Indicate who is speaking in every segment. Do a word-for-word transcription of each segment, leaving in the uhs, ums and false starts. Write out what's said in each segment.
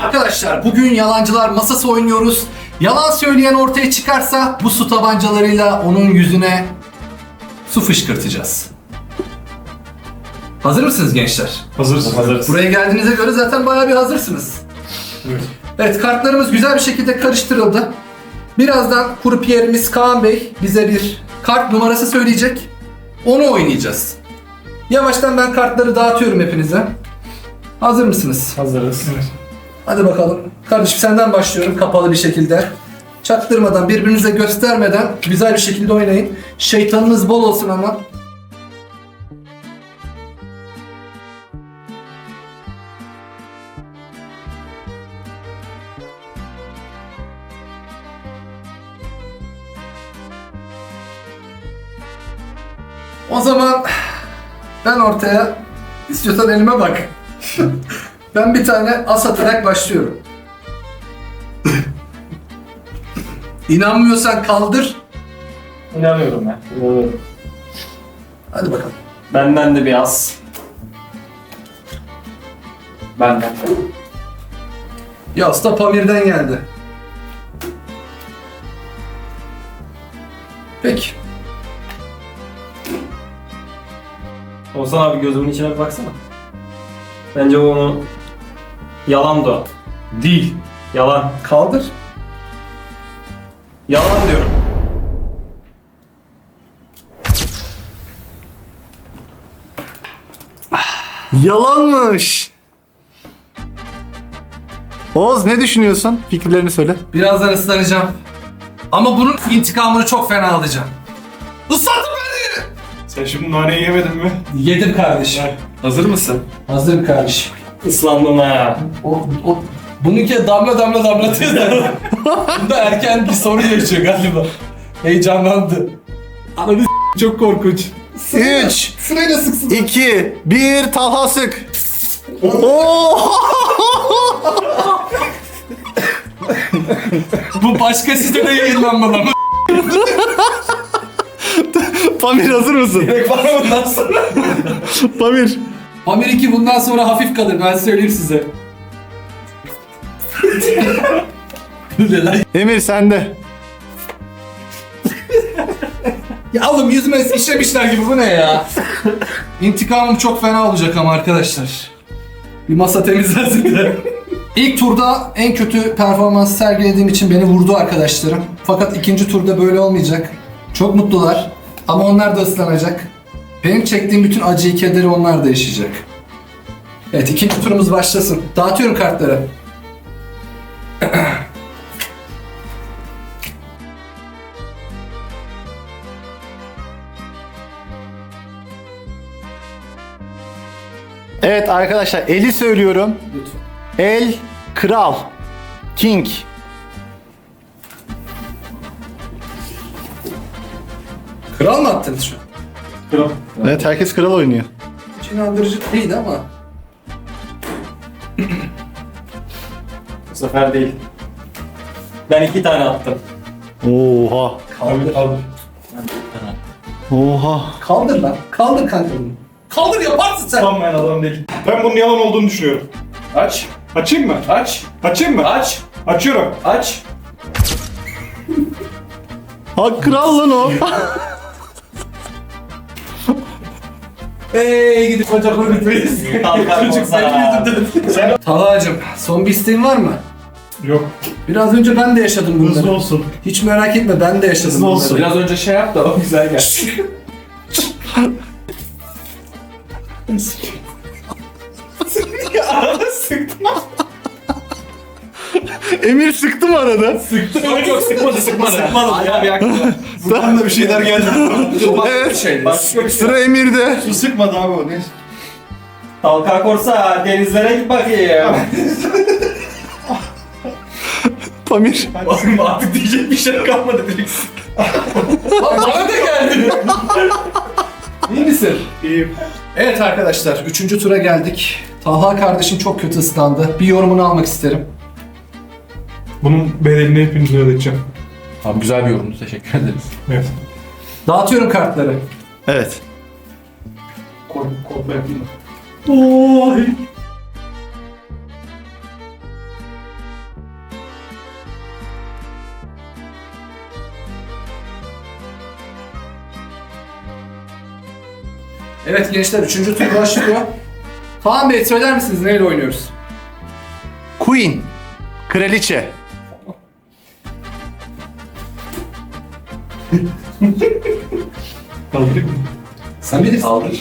Speaker 1: Arkadaşlar bugün yalancılar masası oynuyoruz. Yalan söyleyen ortaya çıkarsa bu su tabancalarıyla onun yüzüne su fışkırtacağız. Hazır mısınız gençler?
Speaker 2: Hazırız. Hazırız.
Speaker 1: Buraya geldiğinize göre zaten bayağı bir hazırsınız.
Speaker 2: Evet.
Speaker 1: Evet, kartlarımız güzel bir şekilde karıştırıldı. Birazdan kurupiyerimiz Kaan Bey bize bir kart numarası söyleyecek. Onu oynayacağız. Yavaştan ben kartları dağıtıyorum hepinize. Hazır mısınız?
Speaker 2: Hazırız. Evet.
Speaker 1: Hadi bakalım. Kardeşim senden başlıyorum kapalı bir şekilde. Çaktırmadan, birbirinize göstermeden güzel bir şekilde oynayın. Şeytanınız bol olsun ama. O zaman ben ortaya, istiyorsan elime bak. Ben bir tane as atarak başlıyorum. İnanmıyorsan kaldır.
Speaker 2: İnanıyorum ben. İnanıyorum.
Speaker 1: Hadi bakalım.
Speaker 2: Benden de bir az. Benden.
Speaker 1: Yas da Pamir'den geldi. Peki.
Speaker 2: Oğuzhan abi gözümün içine bir baksana. Bence onu yalan da. Değil. Yalan.
Speaker 1: Kaldır.
Speaker 2: Yalan diyorum.
Speaker 3: Yalanmış. Oğuz ne düşünüyorsun? Fikirlerini söyle.
Speaker 1: Birazdan ıslanacağım. Ama bunun intikamını çok fena alacağım. Islatın beni!
Speaker 4: Sen şimdi naneyi yemedin mi?
Speaker 1: Yedim kardeşim.
Speaker 4: Hazır mısın?
Speaker 1: Hazırım kardeşim.
Speaker 2: Islandım ha.
Speaker 1: O, o, bununki damla damla damlatıyor da. Bunda erken bir sorun yaşıyor galiba. Heyecanlandı. Ananı s- çok korkunç.
Speaker 3: üç,
Speaker 1: Sırayla sıksın.
Speaker 3: iki, bir, Talha sık. Oo!
Speaker 1: Bu başka sitede yayınlanmalı ama.
Speaker 3: Pamir hazır mısın?
Speaker 1: Direkt var bundan sonra.
Speaker 3: Pamir.
Speaker 1: Pamir iki bundan sonra hafif kalır, ben söyleyeyim size. Ne lan?
Speaker 3: Emir sende.
Speaker 1: Ya oğlum yüzüme işlemişler gibi, bu ne ya? İntikamım çok fena olacak ama arkadaşlar. Bir masa temizlensin de. İlk turda en kötü performans sergilediğim için beni vurdu arkadaşlarım. Fakat ikinci turda böyle olmayacak. Çok mutlular ama onlar da ıslanacak. Benim çektiğim bütün acıyı, kederi onlar da yaşayacak. Evet, ikinci turumuz başlasın. Dağıtıyorum kartları.
Speaker 3: Evet arkadaşlar eli söylüyorum.
Speaker 1: Lütfen.
Speaker 3: El, kral, king.
Speaker 1: Kral mı attınız şu an?
Speaker 2: Kral.
Speaker 3: Evet herkes kral oynuyor.
Speaker 1: Hiç inandırıcı değildi ama.
Speaker 2: Bu sefer değil. Ben iki tane attım.
Speaker 3: Oha.
Speaker 1: Kaldır.
Speaker 2: Kaldır.
Speaker 3: Oha.
Speaker 1: Kaldır lan. Kaldır kanka bunu. Kaldır, yaparsın sen.
Speaker 4: Tam ben adam değil. Ben bunun yalan olduğunu düşünüyorum.
Speaker 2: Aç.
Speaker 4: Açayım mı?
Speaker 2: Aç.
Speaker 4: Açayım mı?
Speaker 2: Aç.
Speaker 4: Açıyorum.
Speaker 2: Aç.
Speaker 3: Ha kral lan o.
Speaker 1: Eee gidip bacakları bitmeyiz.
Speaker 2: Kalkar
Speaker 1: Çocuk
Speaker 2: olsa.
Speaker 1: senin yüzünden. Talha'cığım, son bir isteğin var mı?
Speaker 4: Yok.
Speaker 1: Biraz önce ben de yaşadım bunları.
Speaker 4: Hızlı olsun.
Speaker 1: Hiç merak etme, ben de yaşadım
Speaker 4: Hızlı
Speaker 1: bunları.
Speaker 4: olsun.
Speaker 2: Biraz önce şey yap da o güzel geldi.
Speaker 3: Emir sıktı mı arada?
Speaker 2: Yok yok sıkmadı sıkmadı. Sıkmadı. Ayağı yaktı.
Speaker 4: Buradan da bir şeyler geldi.
Speaker 3: Evet.
Speaker 2: Şey, başka bir şey.
Speaker 3: Sıra Emir'de.
Speaker 4: Su sıkmadı abi o. Ne?
Speaker 2: Talka korsa denizlere git bakayım.
Speaker 3: Pamir.
Speaker 2: Oğlum artık diyecek bir şey kalmadı direkt.
Speaker 1: Lan bana da geldi. İyi misin?
Speaker 4: İyiyim.
Speaker 1: Evet arkadaşlar, üçüncü tura geldik. Talha kardeşim çok kötü ıslandı. Bir yorumunu almak isterim.
Speaker 4: Bunun bedelini hepinize ödeteceğim.
Speaker 1: Abi güzel bir yorumdu, teşekkür ederiz.
Speaker 4: Evet.
Speaker 1: Dağıtıyorum kartları.
Speaker 3: Evet.
Speaker 4: Kod, kodla yapayım.
Speaker 1: Oy. Evet gençler üçüncü tur başlıyor. Kaan Bey söyler misiniz neyle oynuyoruz?
Speaker 3: Queen. Kraliçe.
Speaker 4: Kaldırayım mı?
Speaker 1: Sen bilirsin.
Speaker 2: Kaldır.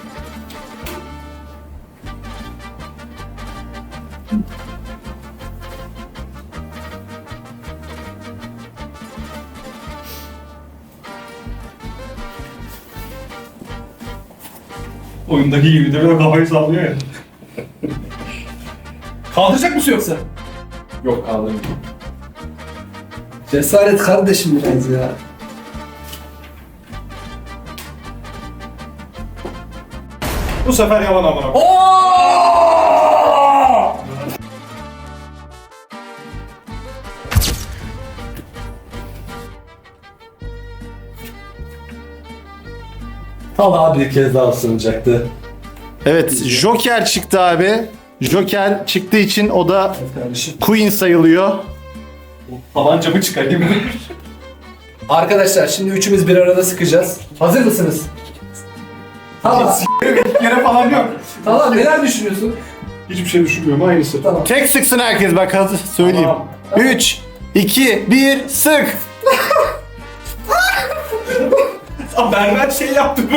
Speaker 4: Oyundaki gibi de böyle kafayı sallıyor ya.
Speaker 1: Kaldıracak mısın yoksa?
Speaker 2: Yok kaldırdım.
Speaker 1: Cesaret kardeşim biraz ya.
Speaker 4: Bu sefer yalan amına.
Speaker 1: Talha bir kez daha ısınacaktı.
Speaker 3: Evet, Joker çıktı abi. Joker çıktığı için o da
Speaker 1: Evet kardeşim.
Speaker 3: Queen sayılıyor.
Speaker 2: Tabancamı çıkarayım.
Speaker 1: Arkadaşlar şimdi üçümüz bir arada sıkacağız. Hazır mısınız? Talha,
Speaker 4: Yere falan yok.
Speaker 1: Talha neler düşünüyorsun?
Speaker 4: Hiçbir şey düşünmüyorum, aynısı.
Speaker 1: Tamam.
Speaker 3: Tek sıksın herkes bak hadi söyleyeyim.
Speaker 4: Tamam.
Speaker 3: üç, iki, bir, sık.
Speaker 4: Aa, berber şey yaptı bu.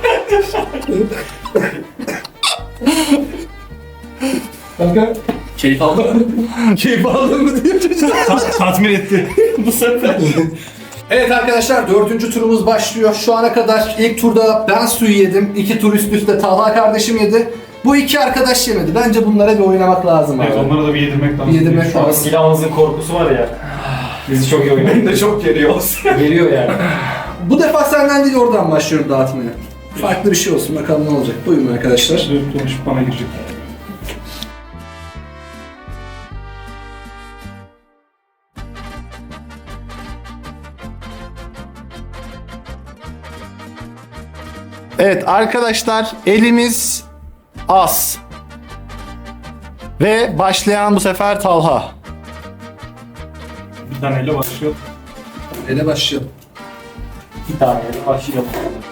Speaker 1: Kanka
Speaker 2: Keyif aldım.
Speaker 1: keyif aldın mı diye çocuk.
Speaker 4: Ta- tatmin etti.
Speaker 2: Bu sefer.
Speaker 1: Evet arkadaşlar dördüncü turumuz başlıyor. Şu ana kadar ilk turda ben suyu yedim. İki tur üst üste Talha kardeşim yedi. Bu iki arkadaş yemedi. Bence bunlara bir oynamak lazım abi.
Speaker 4: Evet, onlara da bir yedirmek lazım.
Speaker 1: Bir yedirmek
Speaker 2: Şu an
Speaker 1: lazım.
Speaker 2: silahımızın korkusu var ya. Bizi çok iyi oynuyor.
Speaker 4: Beni de çok geriyor olsun.
Speaker 2: Geliyor yani.
Speaker 1: Bu defa senden değil oradan başlıyorum dağıtmaya. Farklı bir şey olsun bakalım ne olacak. Buyurun arkadaşlar.
Speaker 4: Dönüp dolaşıp bana girecek.
Speaker 3: Evet arkadaşlar elimiz az. Ve başlayan bu sefer Talha.
Speaker 4: Bir taneyle başlıyor.
Speaker 1: Ele başlayalım.
Speaker 2: Bir tane başlayalım.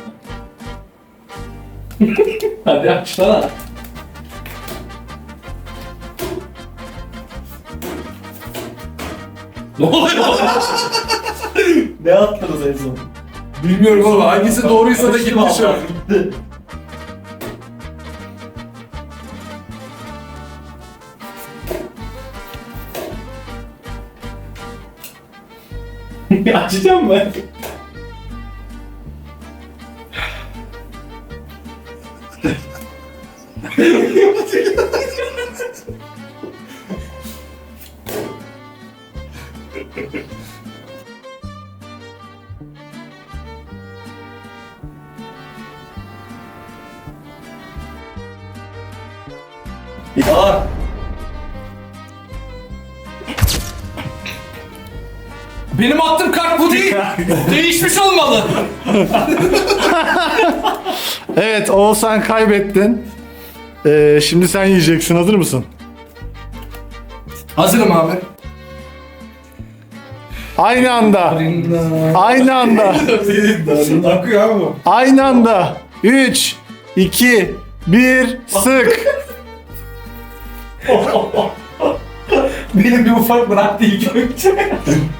Speaker 2: Hadi açsana. Ne oluyor? Ne attınız en son?
Speaker 1: Bilmiyorum oğlum hangisi doğruysa da gitti şu an.
Speaker 2: Gitti. Açacağım mı? Ya.
Speaker 1: Benim attığım kart bu değil. Değişmiş olmalı.
Speaker 3: Evet Oğuzhan kaybettin. Ee, şimdi sen yiyeceksin, hazır mısın?
Speaker 1: Hazırım abi.
Speaker 3: Aynı anda. Aynı anda.
Speaker 4: Akıyor abi bu.
Speaker 3: Aynı anda. üç, iki, bir, sık.
Speaker 2: Benim bir ufak bıraktı ilk önce.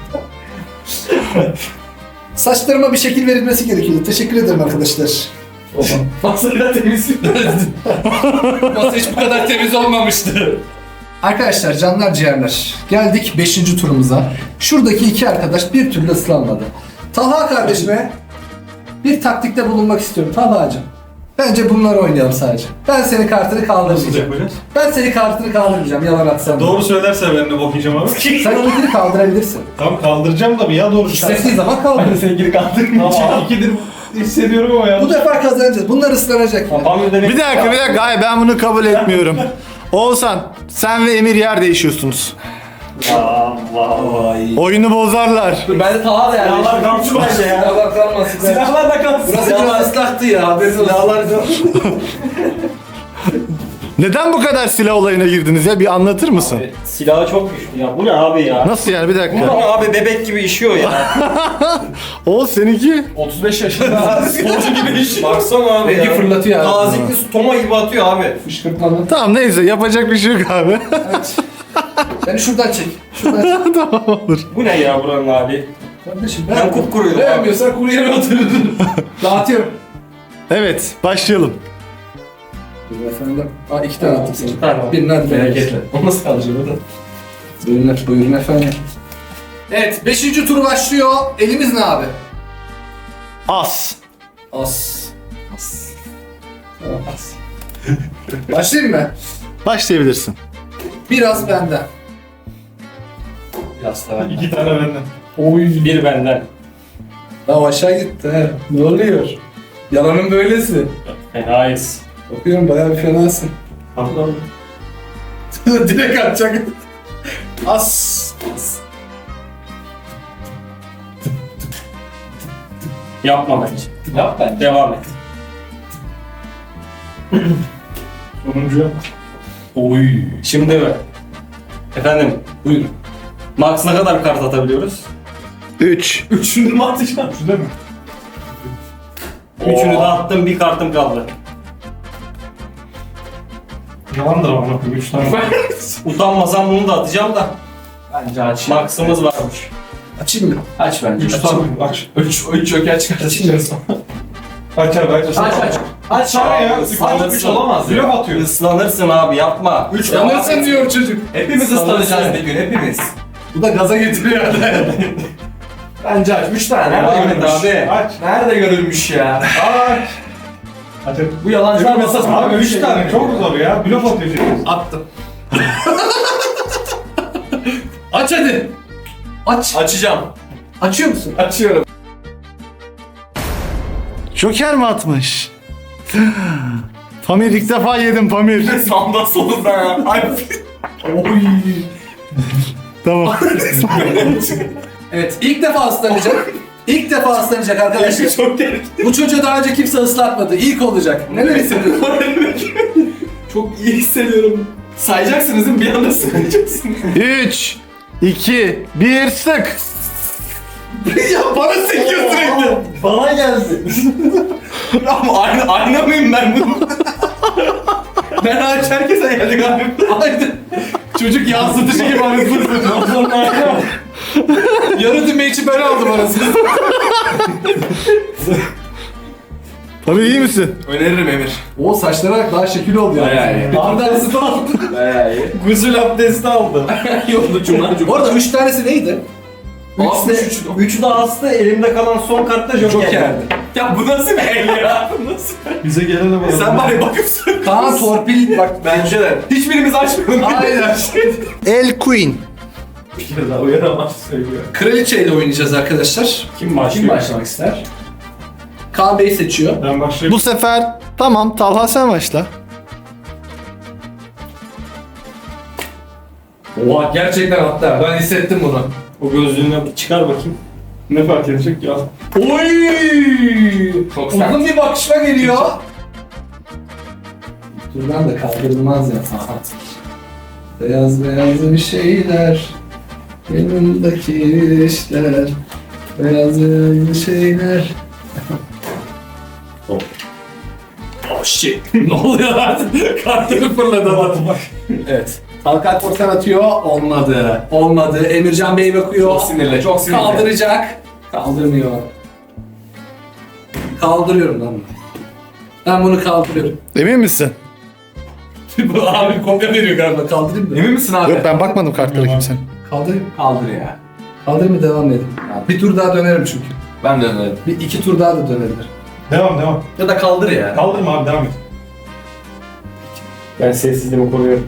Speaker 1: Saçlarıma bir şekil verilmesi gerekiyordu. Teşekkür ederim arkadaşlar.
Speaker 2: Masayla temiz.
Speaker 1: Masa hiç bu kadar temiz olmamıştı. Arkadaşlar canlar ciğerler. Geldik beşinci turumuza. Şuradaki iki arkadaş bir türlü ıslanmadı. Talha kardeşime bir taktikte bulunmak istiyorum. Talha'cığım. Bence bunları oynayalım sadece. Ben senin kartını
Speaker 4: Nasıl
Speaker 1: kaldırmayacağım.
Speaker 4: yapacağız?
Speaker 1: Ben senin kartını kaldırmayacağım. Yalan atsam.
Speaker 4: Doğru söylerse ben de bok yiyeceğim abi.
Speaker 1: Sen onunkini kaldırabilirsin.
Speaker 4: Tamam kaldıracağım da bir ya doğru
Speaker 1: İstediğin zaman kaldır.
Speaker 2: Ben de sevgili kaldırmayacağım.
Speaker 4: Tamam ikidir hissediyorum ama ya.
Speaker 1: Bu defa kazanacağız. Bunlar ıslanacak.
Speaker 2: Papamya demek.
Speaker 3: Bir dakika bir dakika. Hayır ben bunu kabul etmiyorum. Oğuzhan sen ve Emir yer değişiyorsunuz.
Speaker 2: Allah.
Speaker 3: Oyunu bozarlar.
Speaker 2: Dur ben de Taha da yani. Silahlar kalsın bence ya.
Speaker 1: Silahlar kalmasın.
Speaker 2: Silahlar da kalsın.
Speaker 1: Burası biraz ıslaktı ya. Haberiniz olsun.
Speaker 3: Neden bu kadar silah olayına girdiniz ya? Bir anlatır mısın?
Speaker 5: Evet, silahı çok güçlü ya. Bu ne abi ya?
Speaker 3: Nasıl yani bir
Speaker 5: Bu
Speaker 3: dakika.
Speaker 5: ne abi, bebek gibi işiyor ya.
Speaker 3: Oğuz seninki?
Speaker 2: otuz beş yaşında sporcu gibi iş.
Speaker 5: Baksana abi
Speaker 1: Rengi
Speaker 5: ya.
Speaker 1: fırlatıyor abi.
Speaker 5: Tazikli su toma gibi atıyor abi.
Speaker 1: Fışkırtmalı.
Speaker 3: Tamam neyse yapacak bir şey yok abi.
Speaker 1: Evet. Beni şuradan çek. Şuradan çek.
Speaker 3: Tamam olur.
Speaker 5: Bu ne ya buranın hali?
Speaker 1: Kardeşim
Speaker 5: Ben kupkuruyum abi.
Speaker 1: Beğenmiyorsan kuru yere otururdun. Dağıtıyorum.
Speaker 3: Evet başlayalım.
Speaker 1: Buyurun efendim. Aa iki tane attım sana.
Speaker 5: İki tane var.
Speaker 1: Birini hadi
Speaker 5: Merak
Speaker 1: beğendim.
Speaker 5: etme. O nasıl kalacak orada?
Speaker 1: Buyurun, buyurun efendim. Evet, beşinci tur başlıyor. Elimiz ne abi?
Speaker 3: As.
Speaker 1: As. As. Tamam, as. Başlayayım mı?
Speaker 3: Başlayabilirsin.
Speaker 1: Biraz benden.
Speaker 5: Biraz da ben.
Speaker 4: İki tane benden.
Speaker 1: Oy.
Speaker 5: Bir benden.
Speaker 1: Daha aşağı gitti he. Ne oluyor? Yalanın böylesi.
Speaker 5: Fenayız.
Speaker 1: Bakıyorum bayağı bir fenasın.
Speaker 5: Allah'ım.
Speaker 1: Direkt atacak. As. As.
Speaker 5: Yapma bence.
Speaker 1: Yap ben.
Speaker 5: Devam et.
Speaker 4: Sonuncu.
Speaker 5: Oy. Şimdi efendim,
Speaker 1: Buyurun.
Speaker 5: max ne kadar kart atabiliyoruz?
Speaker 3: üç.
Speaker 4: Üçünü mü atacağım? Üçünü mi?
Speaker 5: Üçünü de attım, bir kartım kaldı.
Speaker 4: Yalandır ama. Üç tane.
Speaker 5: Utanmasam bunu da atacağım da.
Speaker 2: Bence aç.
Speaker 5: Max'ımız varmış.
Speaker 1: Açayım mı?
Speaker 2: Aç bence.
Speaker 4: Üç
Speaker 2: Aç.
Speaker 4: tane. Aç.
Speaker 2: Üç, üç joker çıkartacağız.
Speaker 4: Aç abi aç.
Speaker 2: Aç aç. Aç
Speaker 4: tane ya.
Speaker 2: Üç tane üç olamaz
Speaker 4: Blöf
Speaker 2: ya.
Speaker 4: atıyor.
Speaker 5: Islanırsın abi, yapma.
Speaker 2: Üç
Speaker 1: Yanırsın diyor çocuk.
Speaker 2: Hepimiz ıslanacağız bir gün hepimiz.
Speaker 1: Bu da gaza getiriyor yani.
Speaker 2: Bence aç. Üç tane.
Speaker 5: Devam
Speaker 2: Nerede
Speaker 5: et
Speaker 2: görülmüş?
Speaker 5: abi.
Speaker 4: Aç.
Speaker 2: Nerede görülmüş ya?
Speaker 4: Aç. Aç.
Speaker 2: Bu yalancılar masasında
Speaker 4: Abi
Speaker 2: böyle
Speaker 4: üç
Speaker 2: şey
Speaker 4: tane
Speaker 2: yok.
Speaker 4: çok zor ya. Blöf atıyor şimdi.
Speaker 1: Attım. Aç hadi. Aç.
Speaker 2: Açacağım.
Speaker 1: Açıyor musun?
Speaker 2: Açıyorum.
Speaker 3: Joker mi atmış? Pamir ilk defa yedim Pamir.
Speaker 2: Sağdan solundan ya. Ay.
Speaker 1: Oy.
Speaker 3: Tamam.
Speaker 1: Evet, ilk defa ıslanacak. İlk defa ıslanacak arkadaşlar.
Speaker 2: Çok tehlikeli.
Speaker 1: Bu çocuğu daha önce kimse ıslatmadı. İlk olacak. Neler hissediyorsun?
Speaker 2: Çok iyi hissediyorum. Sayacaksınız değil mi? Bir anda sayacaksınız.
Speaker 3: üç, iki, bir sık.
Speaker 1: Ya bana sekiyor sürekli.
Speaker 2: Bana geldi. Ama aynı, ayna mıyım ben bunu? Ben aç herkese geldi galiba.
Speaker 1: Aynen. Çocuk yansıtıcı gibi anasını satıyor. Yarı düğme için ben aldım anasını.
Speaker 3: Pamir iyi misin?
Speaker 2: Öneririm Emir.
Speaker 1: O saçlara bak daha şekil oldu ya.
Speaker 2: Bayağı iyi.
Speaker 1: Bir tane daha ısıtı aldı.
Speaker 2: Bayağı iyi.
Speaker 5: Gusül abdesti aldım.
Speaker 2: Yolda cumlar cumlar.
Speaker 1: Orada üç tanesi neydi?
Speaker 5: Üçü de, üçü de astı, elimde kalan son kartta Joker.
Speaker 2: Joker'di. Ya bu nasıl bir el ya? Bu nasıl?
Speaker 4: Bize gelene bak.
Speaker 2: Sen var ya bakıp
Speaker 1: Kaan torpil bak.
Speaker 2: Bence de. Hiçbirimiz açmıyoruz.
Speaker 1: Aynen.
Speaker 3: El Queen.
Speaker 2: Bir kere daha uyaramaz söylüyor.
Speaker 1: Kraliçeyle oynayacağız arkadaşlar.
Speaker 5: Kim başlıyor?
Speaker 2: Kim başlamak ister?
Speaker 1: Kaan Bey seçiyor.
Speaker 4: Ben başlayayım.
Speaker 3: Bu sefer tamam Talha sen başla.
Speaker 1: Oha gerçekten hatta ben hissettim bunu.
Speaker 5: O gözlüğünü bir çıkar bakayım.
Speaker 4: Ne fark edecek ya?
Speaker 1: Oy!
Speaker 2: Çok sert.
Speaker 1: Uzun bir bakışma geliyor. Buradan da kaldırılmaz ya. Beyaz beyaz bir şeyler. Yanımdaki işler. Beyaz beyaz bir şeyler.
Speaker 2: Oh shit. Ne oluyor lan? Kartını fırladı adam.
Speaker 1: Evet. Halka korkan atıyor. Olmadı. Olmadı. Emircan Bey bakıyor.
Speaker 2: Çok sinirli, çok sinirli.
Speaker 1: Kaldıracak. Kaldırmıyor. Kaldırıyorum lan. Ben bunu kaldırıyorum.
Speaker 3: Emin misin?
Speaker 1: Bu abi kopya veriyor galiba. Kaldırayım mı?
Speaker 2: Emin misin abi?
Speaker 3: Yok ben bakmadım kartlara kimsenin.
Speaker 1: Kaldırayım.
Speaker 2: Kaldır ya.
Speaker 1: Kaldırayım mı devam edelim. Bir tur daha dönerim çünkü.
Speaker 2: Ben de önerim.
Speaker 1: Bir iki tur daha da dönebilir.
Speaker 4: Devam devam.
Speaker 2: Ya da kaldır ya.
Speaker 4: Kaldırma abi devam et.
Speaker 5: Ben sessizliğimi koruyorum.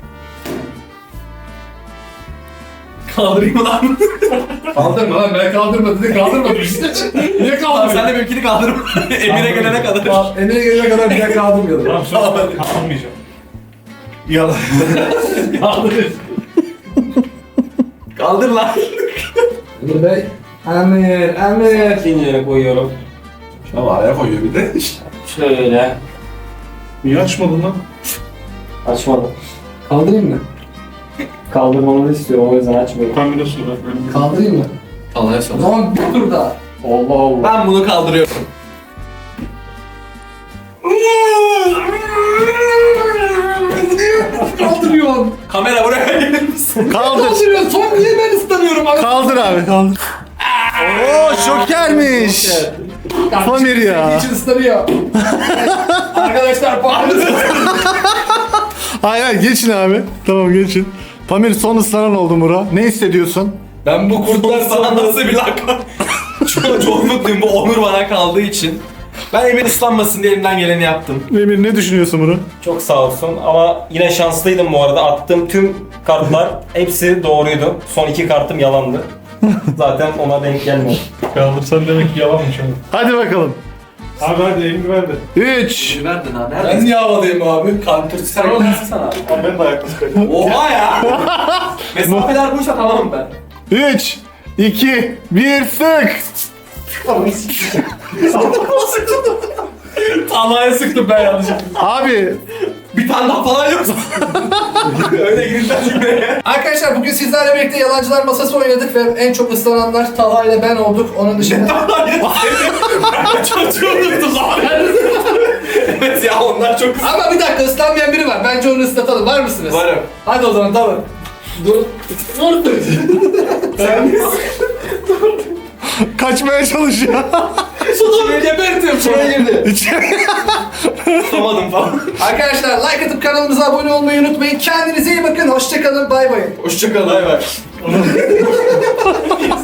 Speaker 2: Kaldırayım mı lan?
Speaker 1: Kaldırma lan ben kaldırmadım dedi kaldırmadım işte. Niye
Speaker 2: Tamam
Speaker 1: kaldırmıyor?
Speaker 2: sen de benimkini kaldırma. Emir'e gelene kadar.
Speaker 1: Tamam, Emir'e gelene kadar bir daha kaldırmıyordum.
Speaker 4: Tamam söz kalmayacağım. Yalan.
Speaker 2: Kaldır. Kaldır lan.
Speaker 1: Emir Bey. Emir, Emir.
Speaker 5: İkinci yere koyuyorum.
Speaker 2: Şuna var ya koyuyor bir de.
Speaker 5: Şöyle.
Speaker 4: Niye açmadın lan?
Speaker 5: Açmadım.
Speaker 1: Kaldırayım mı?
Speaker 5: Kaldırmamızı istiyorum o yüzden açmıyorum.
Speaker 4: Ben bir de su ver. Ben
Speaker 1: Kaldırayım mı?
Speaker 2: Talha'ya
Speaker 1: O
Speaker 2: sor.
Speaker 1: zaman bir tur daha.
Speaker 5: Allah Allah.
Speaker 2: Ben bunu kaldırıyorum.
Speaker 1: Kaldırıyorsun.
Speaker 2: Kamera buraya gelir misin?
Speaker 3: Kaldır.
Speaker 1: Kaldırıyorsun. Son niye ben ıslanıyorum abi?
Speaker 3: Kaldır abi kaldır. Oo şokermiş. Pamir ya.
Speaker 1: İçin ıslanıyor. Arkadaşlar bağırın.
Speaker 3: Hayır hayır geçin abi. Tamam geçin. Pamir son ıslanan oldu Mura. Ne hissediyorsun?
Speaker 2: Ben bu kurtlar sana nasıl bir lakap? çok, çok mutluyum bu onur bana kaldığı için. Ben Emir ıslanmasın diye elimden geleni yaptım.
Speaker 3: Emir ne düşünüyorsun Mura?
Speaker 5: Çok sağ olsun ama yine şanslıydım bu arada. Attığım tüm kartlar hepsi doğruydu. Son iki kartım yalandı. Zaten ona denk gelmedi.
Speaker 4: Kaldırsan demek ki yalanmış oğlum.
Speaker 3: Hadi bakalım.
Speaker 4: Abi hadi elini ver de.
Speaker 3: üç.
Speaker 2: Verdin ha
Speaker 1: Ben niye havadayım abi? Kantır sen
Speaker 2: sana.
Speaker 4: Abi ben de ayakta kaydım.
Speaker 2: Oha ya! Mesafeler buysa tamamım ben.
Speaker 3: üç. iki. bir sık.
Speaker 2: Talha'ya sıktım ben yanlışlıkla.
Speaker 3: Abi
Speaker 2: Bir tane daha falan yoksa. Öyle girilden cümleye.
Speaker 1: Arkadaşlar bugün sizlerle birlikte yalancılar masası oynadık ve en çok ıslananlar Talha ile ben olduk. Onun dışında
Speaker 2: Çocuğu unuttum abi. Evet ya onlar çok kısa.
Speaker 1: ama bir dakika ıslanmayan biri var. Bence onu ıslatalım. Var mısınız?
Speaker 2: Varım.
Speaker 1: Hadi o zaman tamam. Dur. Dur. Sen
Speaker 3: kaçmaya çalışıyor.
Speaker 1: Şunu gebertiyorum. Şuraya girdi.
Speaker 2: Tutamadım falan.
Speaker 1: Arkadaşlar like atıp kanalımıza abone olmayı unutmayın. Kendinize iyi bakın. Hoşçakalın. Bay bay.
Speaker 2: Hoşçakalın. Bay bay.